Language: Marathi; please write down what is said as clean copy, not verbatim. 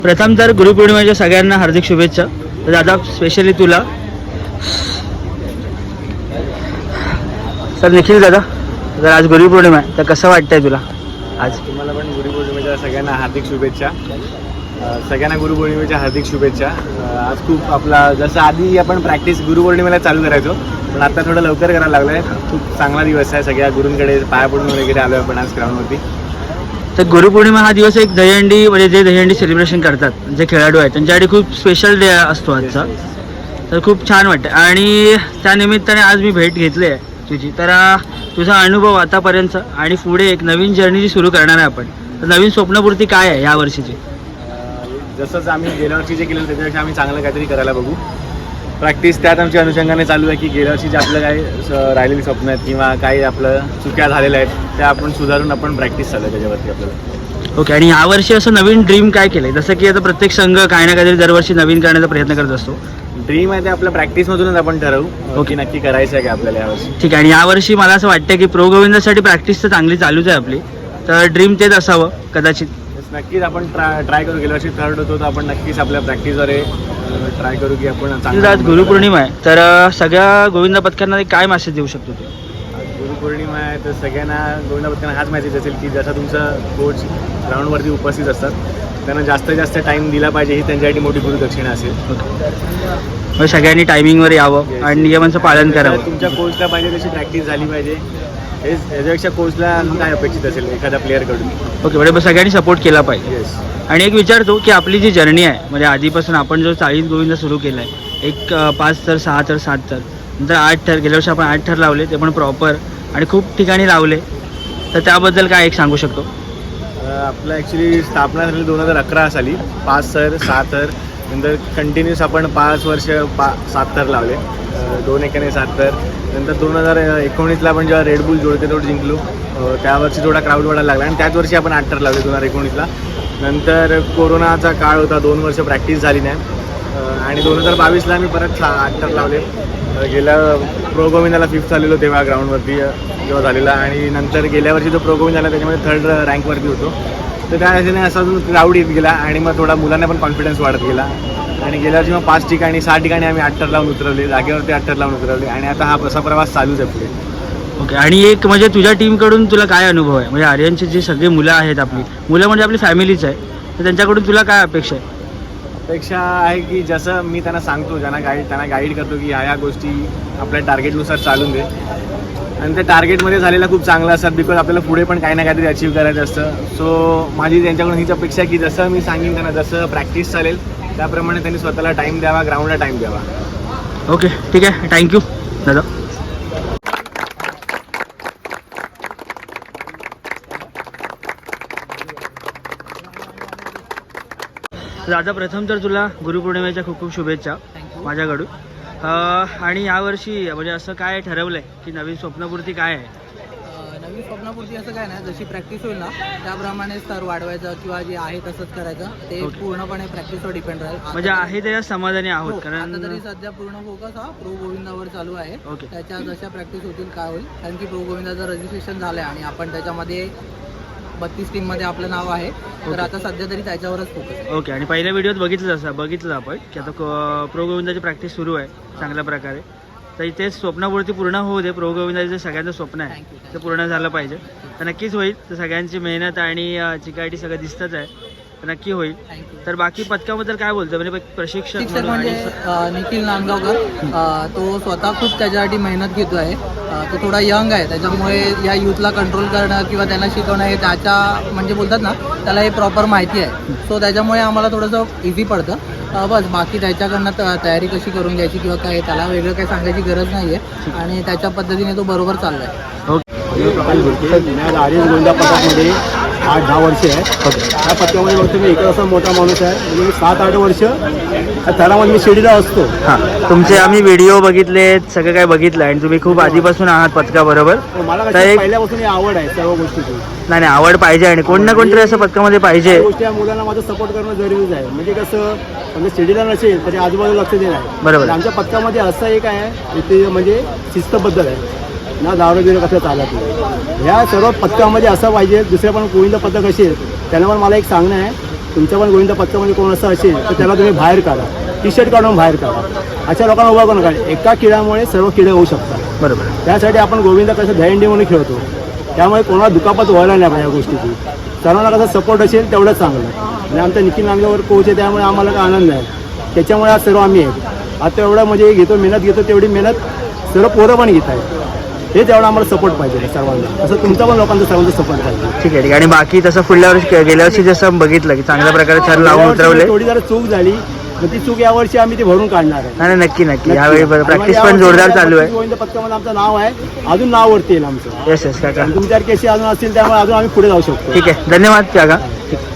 प्रथम तर गुरुपौर्णिमेच्या सगळ्यांना हार्दिक शुभेच्छा. तर दादा स्पेशली तुला. सर निखिल दादा, तर आज गुरुपौर्णिमा आहे तर कसं वाटतंय तुला आज? तुम्हाला पण गुरुपौर्णिमेच्या सगळ्यांना हार्दिक शुभेच्छा. सगळ्यांना गुरुपौर्णिमेच्या हार्दिक शुभेच्छा. आज खूप आपला जसं आधी आपण प्रॅक्टिस गुरुपौर्णिमेला चालू करायचो, पण आता थोडं लवकर करायला लागलं आहे. खूप चांगला दिवस आहे. सगळ्या गुरूंकडे पाया पडून वगैरे आलो आपण आज ग्राउंडवरती. तर गुरुपौर्णिमा हा दिवस एक दहीहंडी म्हणजे जे दहीहंडी सेलिब्रेशन करतात जे खेळाडू आहेत त्यांच्यासाठी खूप स्पेशल डे असतो आजचा. तर खूप छान वाटतं आणि त्यानिमित्ताने आज मी भेट घेतली आहे तुझी. तर तुझा अनुभव आतापर्यंत आणि पुढे एक नवीन जर्नी जी सुरू करणार आहे आपण, तर नवीन स्वप्नपूर्ती काय आहे या वर्षीची? जसंच आम्ही गेल्या वर्षी जे केलं त्याच्यापेक्षा आम्ही चांगलं काहीतरी करायला बघू. प्रॅक्टिस त्यात आमच्या अनुषंगाने चालू आहे की गेल्या वर्षी जे आपलं काही राहिलेली स्वप्न आहेत किंवा काही आपलं चुक्या झालेल्या आहेत त्या आपण सुधारून आपण प्रॅक्टिस चालू आहे त्याच्यावरती आपल्याला. ओके. आणि यावर्षी असं नवीन ड्रीम काय केलं आहे? जसं की आता प्रत्येक संघ काही ना काहीतरी दरवर्षी नवीन करण्याचा प्रयत्न करत असतो. ड्रीम आहे ते आपल्या प्रॅक्टिसमधूनच आपण ठरवू की नक्की करायचं आहे का आपल्याला यावर्षी. ठीक आहे. आणि यावर्षी मला असं वाटतं की प्रो गोविंदासाठी प्रॅक्टिस तर चांगली चालूच आहे आपली, तर ड्रीम तेच असावं कदाचित. नक्कीच आपण ट्राय करू. गेल्या वर्षी थर्ड होतो तर आपण नक्कीच आपल्या प्रॅक्टिसद्वारे ट्राय करू की आपण चांगलं. आज गुरुपौर्णिमा आहे तर सगळ्या गोविंदा पथकांना काय मेसेज देऊ शकतो तू? गुरुपौर्णिमा आहे तर सगळ्यांना गोविंदा पथकांना हाच मेसेज असेल की जसा तुमचा कोच ग्राउंडवरती उपस्थित असतात त्यांना जास्तीत जास्त टाईम दिला पाहिजे, ही त्यांच्यासाठी मोठी गुरुदक्षिणा असेल. सगळ्यांनी टायमिंगवर यावं आणि नियमांचं पालन करावं. तुमच्या कोचला पाहिजे तशी प्रॅक्टिस झाली पाहिजे. हेच याच्यापेक्षा कोचला काय अपेक्षित असेल एखाद्या प्लेअरकडून. ओके. बरोबर. सगळ्यांनी सपोर्ट केला पाहिजे. येस. आणि एक विचारतो की आपली जी जर्नी आहे म्हणजे आधीपासून आपण जो 40 गोविंदा सुरू केला आहे, एक 5 थर 6 थर 7 थर नंतर 8 थर, गेल्या वर्षी आपण 8 थर लावले ते पण प्रॉपर आणि खूप ठिकाणी लावले, तर त्याबद्दल काय एक सांगू शकतो? आपलं ॲक्च्युली स्थापना झाली 2011 साली 5 थर 6 थर. नंतर कंटिन्यूस आपण 5 वर्ष 7 थर लावले, 2 एकाने 7 थर. नंतर 2019ला आपण जेव्हा रेडबुल जोडते तोड जिंकलो, त्यावर्षी थोडा क्राऊड वाढायला लागला आणि त्याच वर्षी आपण 8 थर लावले 2019ला. नंतर कोरोनाचा काळ होता, 2 वर्ष प्रॅक्टिस झाली नाही आणि 2022ला आम्ही परत 8 थर लावले. गेल्या प्रो गोविंदाला 5th आलेलो तेव्हा ग्राउंडवरती जेव्हा झालेला आणि नंतर गेल्या वर्षी जो प्रो गोविंद झाला त्याच्यामध्ये 3rd रँकवरती होतो. तर त्या असेने असा अजून क्राऊड येत गेला आणि मग थोडा मुलांना पण कॉन्फिडन्स वाढत गेला आणि गेल्या वर्षी मग 5 ठिकाणी 6 ठिकाणी आम्ही 8 थर लावून उतरवले, जागेवरती 8 थर लावून उतरवले आणि आता हा असा प्रवास चालूच आहे पुढे. ओके. आणि एक म्हणजे तुझ्या टीमकडून तुला काय अनुभव आहे? म्हणजे आर्यनची जी सगळी मुलं आहेत, आपली मुलं म्हणजे आपली फॅमिलीच आहे, तर त्यांच्याकडून तुला काय अपेक्षा आहे? अपेक्षा आहे की जसं मी त्यांना सांगतो, त्यांना गाईड करतो की ह्या गोष्टी आपल्या टार्गेटनुसार चालून दे आणि त्या टार्गेटमध्ये झालेला खूप चांगला असतात बिकॉज आपल्याला पुढे पण काही ना काहीतरी अचीव करायचं असतं. सो माझी त्यांच्याकडून हीच अपेक्षा आहे की जसं मी सांगेन त्यांना, जसं प्रॅक्टिस चालेल त्याप्रमाणे त्यांनी स्वतःला टाईम द्यावा, ग्राउंडला टाईम द्यावा. ओके. ठीक आहे. थँक्यू दादा. दादा प्रथम तर तुला गुरुपौर्णिमेच्या खूप खूप शुभेच्छा माझ्याकडून. आणि यावर्षी म्हणजे असं काय ठरवलं आहे की नवीन स्वप्नपूर्ती काय आहे? नवीन स्वप्नपूर्ती असं काय नाही, जशी प्रॅक्टिस होईल ना त्याप्रमाणे स्तर वाढवायचं किंवा जे आहे तसंच करायचं, ते पूर्णपणे प्रॅक्टिसवर डिपेंड राहील. म्हणजे आहे त्याच्या समाधानी आहोत कारण आता तरी सध्या पूर्ण फोकस हा प्रो गोविंदावर चालू आहे. त्याच्या जशा प्रॅक्टिस होतील काय होईल, कारण की प्रो गोविंदाचं रजिस्ट्रेशन झालं आहे आणि आपण त्याच्यामध्ये 32 टीममध्ये आपलं नाव आहे, तर आता सध्या तरी त्याच्यावरच फोकस आहे. ओके. आणि पहिल्या व्हिडिओत बघितलं आपण की आता प्रो गोविंदाची प्रॅक्टिस सुरू आहे चांगल्या प्रकारे, तर इथे स्वप्नपूर्ती पूर्ण होऊ दे. प्रो गोविंदाचं जे सगळ्यांचं स्वप्न आहे ते पूर्ण झालं पाहिजे, तर नक्कीच होईल. तर सगळ्यांची मेहनत आणि चिकाटी सगळं दिसतच आहे, तर नक्की होईल. तर बाकी पथकाबद्दल काय बोलतो? म्हणजे प्रशिक्षक म्हणजे निखिल नांदगावकर, तो स्वतः खूप त्याच्यासाठी मेहनत घेतो आहे. तो थोडा यंग आहे, त्याच्यामुळे या यूथला कंट्रोल करणं किंवा त्यांना शिकवणं हे त्याच्या म्हणजे बोलतात ना त्याला हे प्रॉपर माहिती आहे. सो त्याच्यामुळे आम्हाला थोडंसं इझी पडतं. बस बाकी त्याच्याकडनं तयारी कशी करून घ्यायची किंवा काय त्याला वेगळं काही सांगायची गरज नाही आहे आणि त्याच्या पद्धतीने तो बरोबर चालला आहे. आर्यन गोविंदा पथकामध्ये 8-10 वर्ष आहे. त्या पथकामध्ये बघतो मी एकच असा मोठा माणूस आहे, म्हणजे मी 7-8 वर्ष थरामध्ये मी शिडीला असतो. हां. तुमचे आम्ही व्हिडिओ बघितले, सगळं काय बघितलं आणि तुम्ही खूप आधीपासून आहात पथकाबरोबर. मला पहिल्यापासून आवड आहे सर्व गोष्टीची. नाही आवड पाहिजे आणि कोण ना कोणतरी असं पथकामध्ये पाहिजे. गोष्टी या मुलांना माझं सपोर्ट करणं जरुरीच आहे. म्हणजे कसं म्हणजे शिडीला नसेल तरी आजूबाजूला लक्ष देणं आहे. बरोबर. आमच्या पथकामध्ये असं एक आहे इथे म्हणजे शिस्तबद्दल आहे ना, दारू बिरू कसं चालत नाही. ह्या सर्व पथकामध्ये असं पाहिजे. दुसऱ्या पण गोविंद पथक असेल त्यांना पण मला एक सांगणं आहे तुमच्या पण गोविंदा पथकामध्ये कोण असं असेल तर त्याला तुम्ही बाहेर काढा, टी शर्ट काढून बाहेर काढा. अशा लोकांना उभा करू नका. एका किड्यामुळे सर्व किडे होऊ शकतात. बरोबर. त्यासाठी आपण गोविंदा कसं दहीहंडी म्हणून खेळतो, त्यामुळे कोणाला दुखापत व्हायला नाही पाहिजे या गोष्टीची. सर्वांना कसं सपोर्ट असेल तेवढंच चांगलं. आणि आमचा निखिल नांदगावकर कोच आहे, त्यामुळे आम्हाला काय आनंद आहे. त्याच्यामुळे आज सर्व आम्ही आहेत. आता एवढं म्हणजे घेतो, मेहनत घेतो, तेवढी मेहनत सर्व पोरं पण घेत आहेत. हे तेवढं आम्हाला सपोर्ट पाहिजे सर्वांना. असं तुमचा पण लोकांचा सर्वांचा सपोर्ट पाहिजे. ठीक आहे. आणि बाकी तसं पुढल्या वर्षी गेल्या वर्षी जसं बघितलं की चांगल्या प्रकारे थर लावून उतरवले. थोडी जरा चूक झाली, मग ती चूक यावर्षी आम्ही ती भरून काढणार आहे. नाही नक्की नक्की. यावेळी प्रॅक्टिस पण जोरदार चालू आहे. गोविंद पथकामध्ये आमचं नाव आहे, अजून नाव वरती येईल आमचं. येस येस काका. तुमच्यासारखे असे अजून असतील त्यामुळे अजून आम्ही पुढे जाऊ शकतो. ठीक आहे. धन्यवाद काका. ठीक.